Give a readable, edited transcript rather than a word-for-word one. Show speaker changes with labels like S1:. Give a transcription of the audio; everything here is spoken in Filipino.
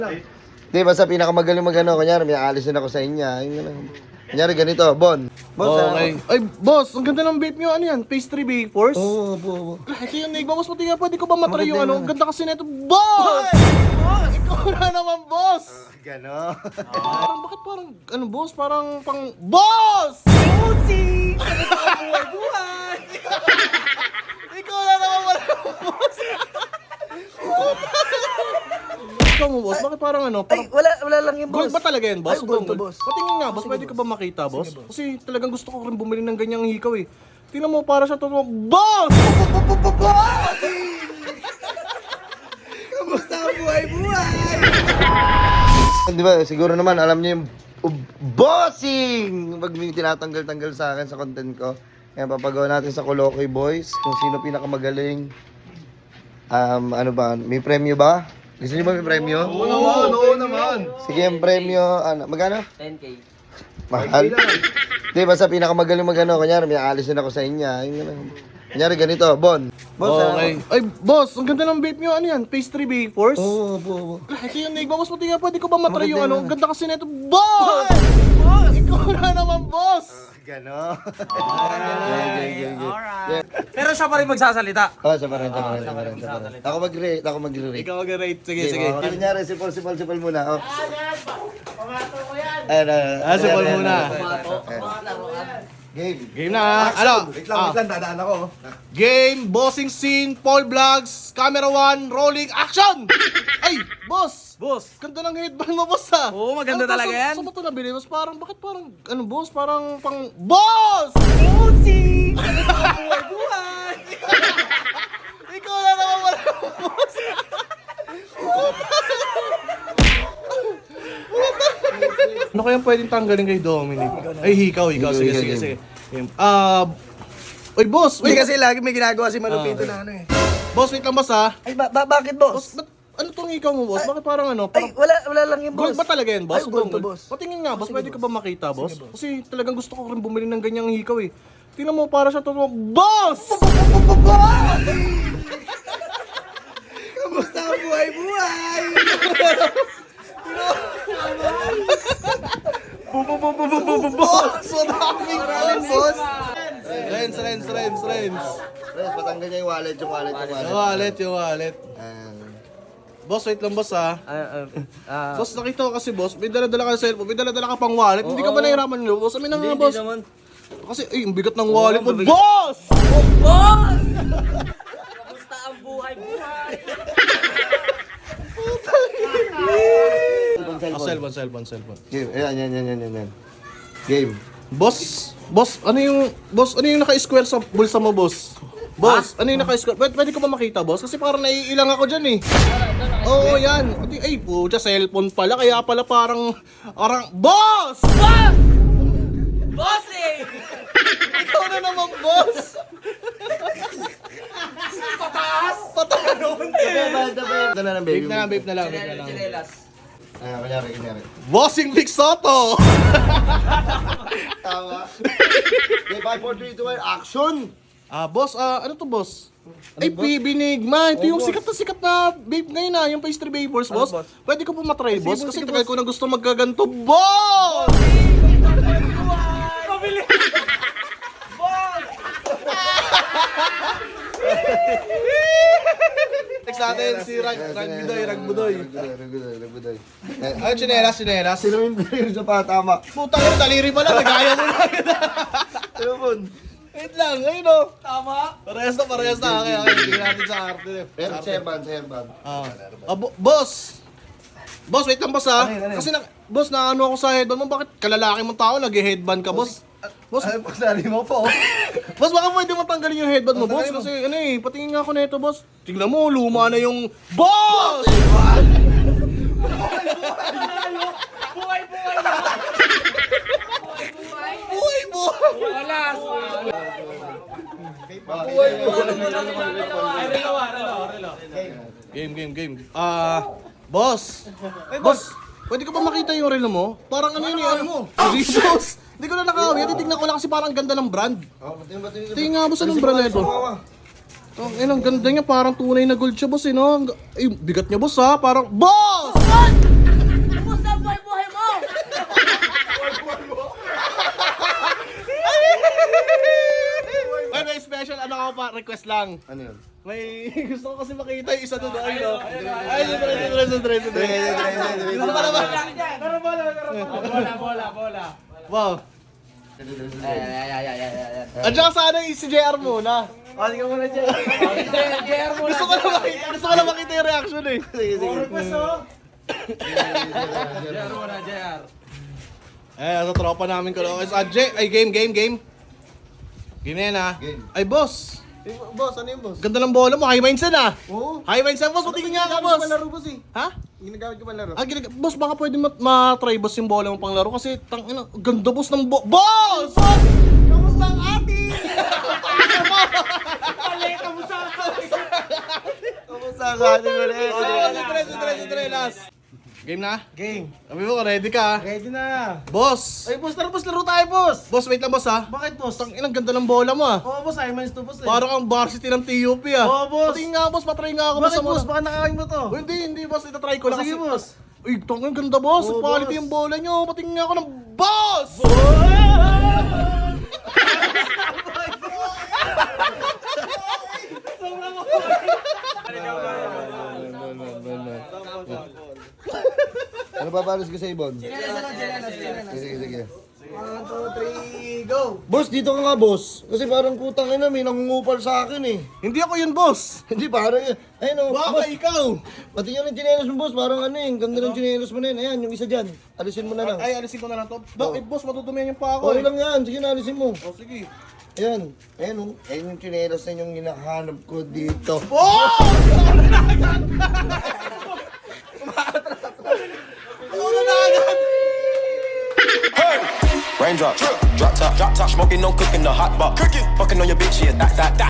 S1: Di, basta pinakamagaling magano, kanyari may aalisin ako sa inyo. Kanyari ganito, Bon. Boss,
S2: Okay. Ay, boss, ang ganda ng vape nyo. Ano yan? Pastry Bake Force?
S1: Oo, oo.
S2: Ito yung nigma, boss. Pati nga, pwede ko ba matry yung
S1: Maganda
S2: ano? Ang ganda kasi nito. Boss! Boss! Ikaw na naman, boss!
S1: Gano.
S2: Bakit parang, ano, boss? Parang pang, boss! Bossy! Buhay! Ikaw na naman wala, boss! Ikaw mo, boss, bakit parang ano?
S3: Ay, wala lang yung boss.
S2: Gold ba talaga yan, boss?
S3: Ay, gold to, boss.
S2: Patingin nga, boss. Pwede ka ba makita, boss? Kasi talagang gusto ko rin bumili ng ganyang hikaw eh. Tingnan mo, para siya totoo. Boss!
S3: Kamusta ang buhay-buhay?
S1: Di ba, siguro naman, alam niyo yung bossing! Pag may tinatanggal-tanggal sa akin sa content ko. Kaya papagawa natin sa Kolokoy Boys kung sino pinakamagaling. Ano ba, may premyo ba? Gusto niyo ba may premyo?
S2: Oo naman.
S1: Sige, yung premyo, ano, magkano?
S3: 10K.
S1: Mahal? Di, basta pinakamagaling magano, kanyari may aalisin ako sa inyo. Kanyari ganito, Bon. Boss,
S2: Okay. Ay, boss, ang ganda ng vape nyo. Ano yan? Pastry Bake Force?
S1: Oo, oo.
S2: Ito yung nigma, boss. Pati nga, pwede ko ba matry yung ano? Ang ganda kasi nito. Boss! Boss! Ikaw na naman, boss!
S1: Gano.
S3: Alright. Pero siya pa rin magsasalita.
S1: Oh, siya pa rin. Ako mag-rate,
S2: Ikaw mag-rate. Sige,
S1: Sige.
S2: sige.
S1: Kanyari, sipol muna. Oh. Ayan,
S2: Sipol muna.
S1: Game.
S2: Game na. Ano?
S1: Wait lang, dadaan ako.
S2: Game, bossing scene, Paul Vlogs, camera 1, rolling, action! Ay, boss!
S3: Boss.
S2: Ganda ng headband mo, boss, ha?
S3: Oo, maganda
S2: Ano,
S3: talaga yan.
S2: Saan mo ito nabili, boss? Bakit parang, ano, boss? Parang pang, boss!
S3: Bossy! Buhay-buhay!
S2: Ikaw na naman wala, boss! Ano kayang pwedeng tanggalin kay Dominic? Ay, ikaw. Sige. Oy, boss!
S3: Hindi
S2: Wait,
S3: kasi lagi may ginagawa si Malupito na ano eh.
S2: boss, wait lang, boss, ha?
S3: Ay, bakit boss?
S2: Boss, ano tong ikaw mo, boss? Bakit parang ano?
S3: Ay,
S2: Parang
S3: wala lang yung boss.
S2: gold ba talaga yan, boss?
S3: Ay, gold to, boss.
S2: Patingin nga, boss. Pwede ka ba makita, boss? Kasi talagang gusto ko rin bumili ng ganyang hikaw eh. Tingnan mo, para siya totoo. Boss!
S3: Kamusta ang buhay-buhay?
S2: Boss! Maraming boss!
S3: boss.
S2: Rens.
S1: Yes, patanggal niya yung wallet.
S2: Yung wallet. Boss, wait lang, boss, ha? Boss, nakita ko kasi, boss, may dala-dala ka sa cellphone, may dala-dala ka pang wallet. Hindi ka ba nahiraman nyo, boss? Amin na nga, boss. Kasi, ay, ang bigat ng wallet mo. Boss!
S3: Boss! Kamusta ang buhay-buhay?
S2: Cellphone.
S1: Game. Ayan. Game.
S2: Boss, ano yung naka-square sa bulsa mo, boss? Boss, ano yung naka-square? Pwede ko ba makita, boss? Kasi parang naiilang ako dyan eh. Oo, yan. Ay, pucha, cellphone pala. Kaya pala parang, boss!
S3: Boss! Bossy!
S2: Ikaw na naman, boss!
S3: Pataas!
S1: Ito na ng baby.
S2: Vape na lang.
S3: Chinelas.
S1: Ayan, kanyari.
S2: Bossing Vic Soto!
S1: Tama. Okay, 5, 4, 3, 2, 1, action!
S2: Boss, ano to, boss? Ay, PB Nigma. Ito yung sikat na vape ngayon na, yung pastry vapors, boss.
S3: boss?
S2: Pwede ko po matry, boss? Kasi tagal ko na gusto magkaganto, boss!
S3: Pabili! Boss!
S2: Next natin si Ragbudoy.
S1: Ragbudoy.
S2: Ay, chinelas.
S1: Sino yung player sa patama?
S2: Puta yun, daliri pala, nagaya mo lang.
S1: Telepon.
S2: Wait lang, ayun o.
S3: Tama!
S2: Parehas na. Okay, hindi natin sa arte.
S1: Pero Serban.
S2: Boss! Boss, wait lang, boss, ha? Kasi, boss, naano ako sa headband mo. Bakit kalalaki mong tao, nag-headband ka, boss? Boss,
S1: Pagsali mo po.
S2: boss, baka pwede mo tanggalin yung headband mo, boss. Kasi, ano eh, patingin nga ako nito, boss. Tingnan mo, luma na yung... Boss!
S3: Buhay-buhay na!
S2: Buhay mo!
S3: Wala!
S2: Game. Boss! Boss! Pwede ka ba makita yung relo mo? Parang ano yun eh, ano mo? Jesus! Hindi ko na nakawin. Titignan ko lang kasi parang ganda ng brand. Tingnan nga, boss, anong brand na ito? Ang ganda niya, parang tunay na gold siya, boss, eh, no? Ay, bigat niya, boss, ha? Parang, boss! request lang.
S1: Ano yun?
S2: May gusto ko kasi makita yung isa doon. Ay, dire. Gusto ko naman.
S3: Bola.
S2: Wow. At saka sana si JR muna.
S3: Sige muna dyan. JR muna.
S2: Gusto ko na makita yung reaction eh.
S3: JR muna, JR.
S2: Sa tropa namin ko. Ay, game. Game na yan ah.
S1: Game.
S2: Ay, boss.
S1: Boss, ano yung boss?
S2: Ganda ng bola mo. High minds yan ah.
S1: Oo.
S2: High minds yan, boss. Matigin nga ka, boss.
S1: boss eh.
S2: Ha?
S1: Ginagamit ko laro.
S2: Boss, baka pwede ma-try boss yung bola mo pang laro kasi ganda boss ng boss! Kamusta ang ati?
S1: Kamusta ka atin mo rin?
S2: Dire, last. Game na? Game. Sabi mo, ready ka?
S3: Ready na.
S2: Boss!
S3: Ay, boss, laro tayo, boss.
S2: Boss, wait lang boss ha.
S3: Bakit, boss?
S2: Ang ganda ng bola mo ah.
S3: Oo, boss, ay manis to, boss.
S2: Parang ang varsity ng TUP ah.
S3: Oo, boss.
S2: Patingin nga boss, patry nga ako
S3: Bakit,
S2: sa
S3: boss?
S2: mga-
S3: Baka nakakain mo to.
S2: Oh, hindi boss, itatry ko lang
S3: Sige,
S2: kasi.
S3: boss.
S2: Uy, ang ganda boss.
S3: Oo,
S2: Quality
S3: boss.
S2: yung bola nyo. Patingin nga ako ng boss!
S1: Ano ba palos ko sa ibon? Sige.
S3: 1, 2, 3, go.
S1: Boss, dito ka nga boss. Kasi parang putang ina, may nangungupal sa akin eh.
S2: Hindi ako yun boss.
S1: Hindi parang yun. Ayun o,
S2: Baka
S1: boss.
S2: ikaw.
S1: Pati yun ang chinelos mo boss, parang ano eh. Ang ganda ng chinelos mo na yun. Ayan, yung isa dyan. Alisin mo na lang.
S2: Ay, alisin ko na lang to. Bakit boss, matutumihan yung pa ako
S1: Okay
S2: eh.
S1: lang yan. Sige na, alisin mo.
S2: Oh, sige.
S1: Ayan. Ayan o. Ayan yung chinelos na yung hinahanap ko dito.
S2: Oh!
S4: Raindrop, drop top, smoking, no cooking, the hot pot, fucking on your bitch, yeah, that.